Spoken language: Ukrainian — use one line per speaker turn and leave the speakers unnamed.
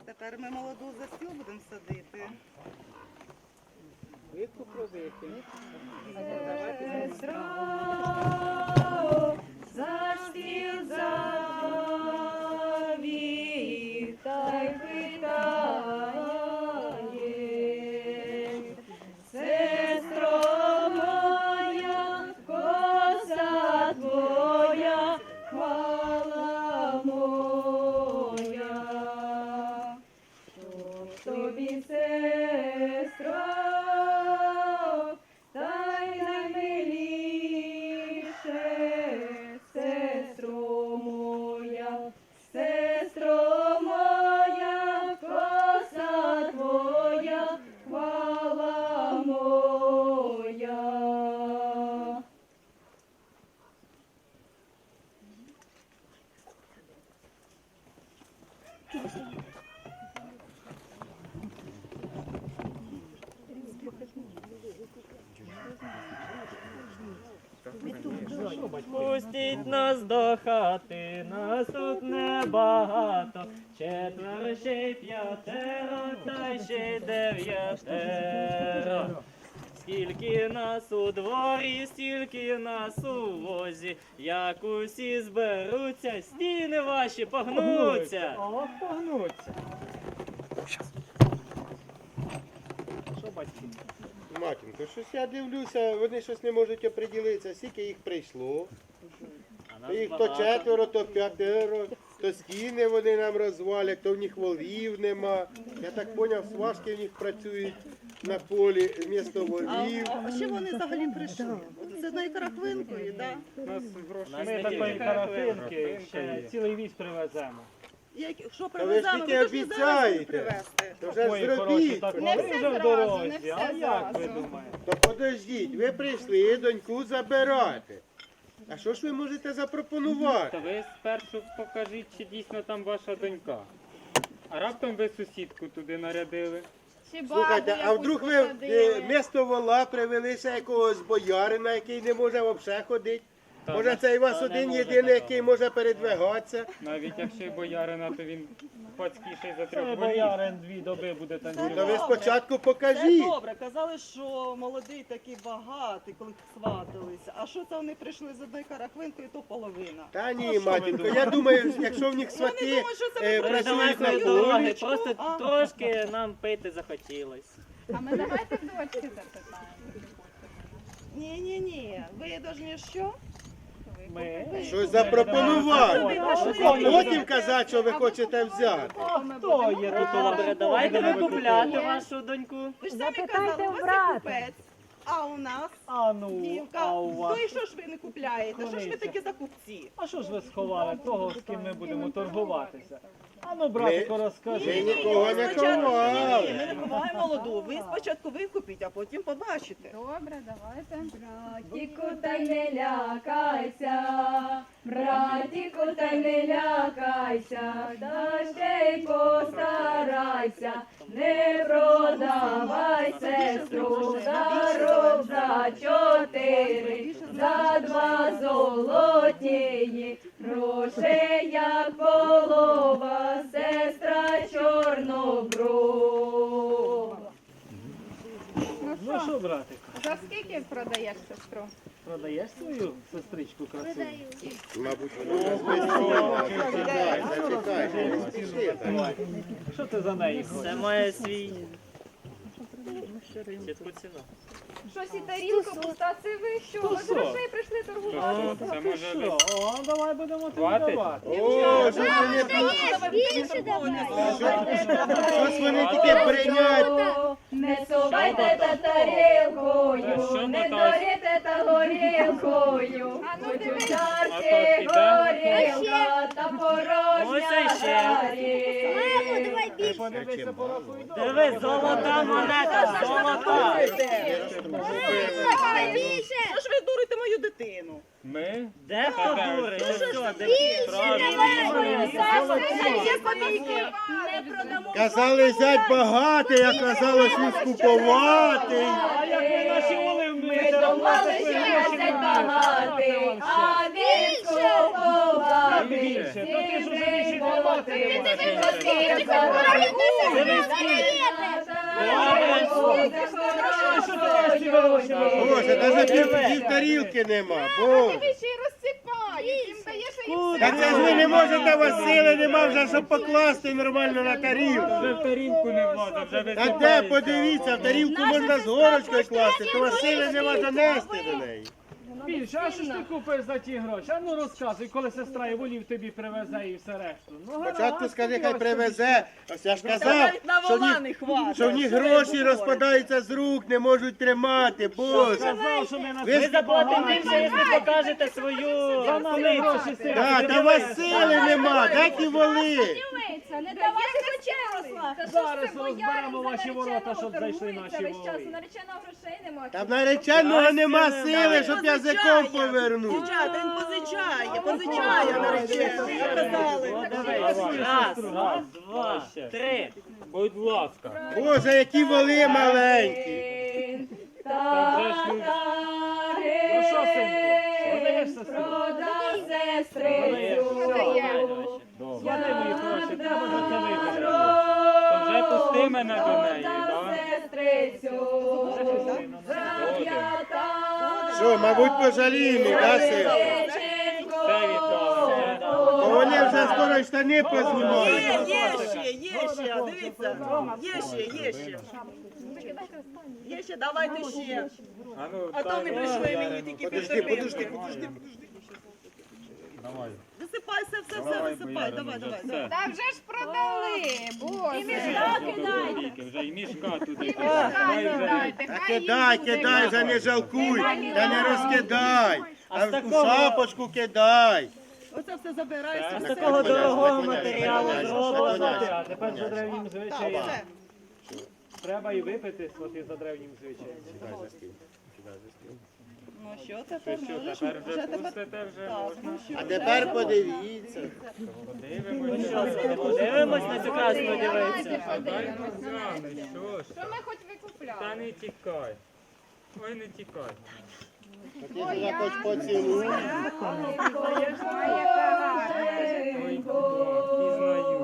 Тепер ми молоду за стіл будемо садити.
Витку пробити.
Сестро, за стіл завів, та й питає. Сестро моя, коса твоя, хвала моя. Щоб тобі, сестро, та й наймиліше, сестро моя, коса твоя, хвала моя.
Пустіть нас до хати, нас тут небагато, четверо, ще й п'ятеро, та й ще й дев'ятеро. Скільки нас у дворі, стільки нас у возі, як усі зберуться, стіни ваші погнуться.
О, погнуться. Що, батьки?
Матінко, щось я дивлюся, вони щось не можуть оприділитися, скільки їх прийшло.
А нас
Їх то
багато.
четверо, то п'ятеро, то стіни вони нам розвалять, то в них волів нема. Я так зрозумів, сважки в них працюють на полі вмісто волів.
А ще вони взагалі прийшли? З одною карахвинкою, так?
Нас
Ми
не
такої
тільки
карафинки ще цілий віз привеземо.
Якщо
Та ви ж
привеземо,
тільки
то ж не зараз їх
обіцяєте.
привезти.
То вже
Ой,
ж
хороші,
зробіть.
так
Не
вони
все
вже в
зразу, не
дорозі.
все
А як ви
зразу.
думаєте?
То подождіть, ви прийшли доньку забирати. А що ж ви можете запропонувати?
Та ви спершу покажіть, чи дійсно там ваша донька. А раптом ви сусідку туди нарядили.
Чи бабу
Слухайте, а
якусь
вдруг ви
посадили?
вмісто вола привелися якогось боярина, який не може взагалі ходити?
Та,
Може це і вас
та не
один
може
єдиний,
такого.
який може передвигатися?
Навіть якщо й боярина, то він пацькіший за
Це
трьох волів.
боярин 2 доби буде
То ви
танцювати.
спочатку
Це
покажіть.
добре, казали, що молодий такий багатий, коли сваталися. А що це вони прийшли з одною карахвинкою, то половина.
Та ні, матінко, я думаю, якщо в них
Вони
свати
думають, що це ми
працюють на
Далекої дороги,
полі.
просто
А.
трошки нам пити захотілось.
А ми давайте дочки запитаємо.
Ні. Ви повинні що?
Ми
Щось запропонувати. А потім казати, що ви хочете взяти.
хто є тут?
Добре, давайте викупляти вашу доньку.
Ви ж самі казали, у вас є купець, а у нас
А ну,
дівка.
а у вас?
То і що ж ви не купляєте? Що ж ви
Куниця.
такі закупці?
А що ж ви сховали того, з ким ми будемо торгуватися? А ну, братику,
Ми
розкажи.
нікого не ховали.
Ми не ховаємо молоду. Ви спочатку викупіть, а потім побачите.
Добре, давайте.
Братіку, та й не лякайся, братіку, та й не лякайся, та ще й постарайся, не продавай сестру, даром за 4, за 2 золотії, грошей як полова, сестра чорноброва.
Ну що, братику,
За скільки продаєш сестру?
продаєш свою сестричку красиву?
Мабуть, вона звичайно. Зачекайте, не спішите.
Що ти за неї
Це
хочеш?
має свій чітку ціну.
Щось і тарілка пуста, це ви що? Ви з грошей прийшли торгувати?
Це може
Що?
ви
О, давай будемо тобі
Хватить?
давати.
О, щось вони тільки прийнять.
Не совайте та тарілкою,
Що
не
мотать?
дорите та горілкою,
А ну,
хоч
дивись.
у чарці
А то піде?
горілка та
Ось
порожня
іще.
тарілка.
Ти подивися, порахуй добре.
Диви, золота монета, золота.
Що ж ви дурите мою дитину?
Ми?
Де хто дурить? Ну що, де
Не продамо.
Казали, зять багатий, а казалось, він скуповатий.
А як ви наші воли
Ми
вмієте
думали,
робити,
що
ви
я
гроші
не
маєте.
багатий, а він
Та
скуповатий.
більше, то ти ж уже більше
Сім
тримати не
золотих
можеш.
козаків забрав.
Боже, навіть пів тарілки нема. Боже.
Ти ще й розсипають, їм даєш і
Та це ж ви не можете, у вас сили нема вже, щоб покласти нормально на тарілку.
Вже в тарілку не влада, вже
Та де,
висипається.
подивіться, в тарілку можна з горочкою класти, то у вас сили нема донести до неї.
Більше, а що ж ти купиш за ті гроші? А ну розказуй, коли сестра і волів тобі привезе і все решту. Ну,
Спочатку скажи, хай привезе. Ось я ж
Та
казав,
навіть на
що в
вола
них,
не хватить.
що в них
Що ви
гроші
говорите?
розпадаються з рук, не можуть тримати. Боже.
Сказав, що ми на
Ви
Ми заплатимо більше, якщо покажете свою
За нами
силицю.
гроші сили.
Да, та у вас сили нема, дайте воли.
Не давати почеросла.
Зараз розберемо ваші ворота, щоб зайшли наші
весь час, у
воли.
нареченого грошей немає.
Та в нареченого нема сили, щоб язиком повернути.
Дівчата, він позичає наречений. Казали.
О, дивись. Раз, два, три.
Будь ласка.
Боже, які воли маленькі.
Та вже ж люди.
Ну що, синку, продаєш сестру?
Добре.
Склади мої гроші, треба за це вибрати.
То вже пусти мене до неї, так?
Що, мабуть, пожаліємо, да, син?
Все віддали.
Бо вони вже скоро й штани познімають.
Є ще, дивіться. Є ще. Є ще, давайте ще.
А ну,
А то не прийшли мені тільки
Подожди.
Давай.
Висипай все, висипай. Давай.
Та вже ж продали, боже.
Вже і мішка туди.
Та кидай, вже не жалкуй, та не розкидай. А в шапочку кидай.
Оце все забирається.
З такого дорогого матеріалу зроблено.
А тепер за древнім
Так,
звичаєм.
все.
Треба і випити свати за древнім звичаєм.
Ну що тепер?
Що,
Можеш?
тепер вже
Вже тепер.
пустите, вже
Так,
можна?
ну що?
А тепер подивіться.
Подивимося.
Подивимось на цю красну дівицю.
А дай нозями, що ж?
Що ми хоч викупляли?
Та не тікай. Ой, не тікай.
Ти ж хоч поцілуй.
Ой, яка гарна.
Ой, пізнаю.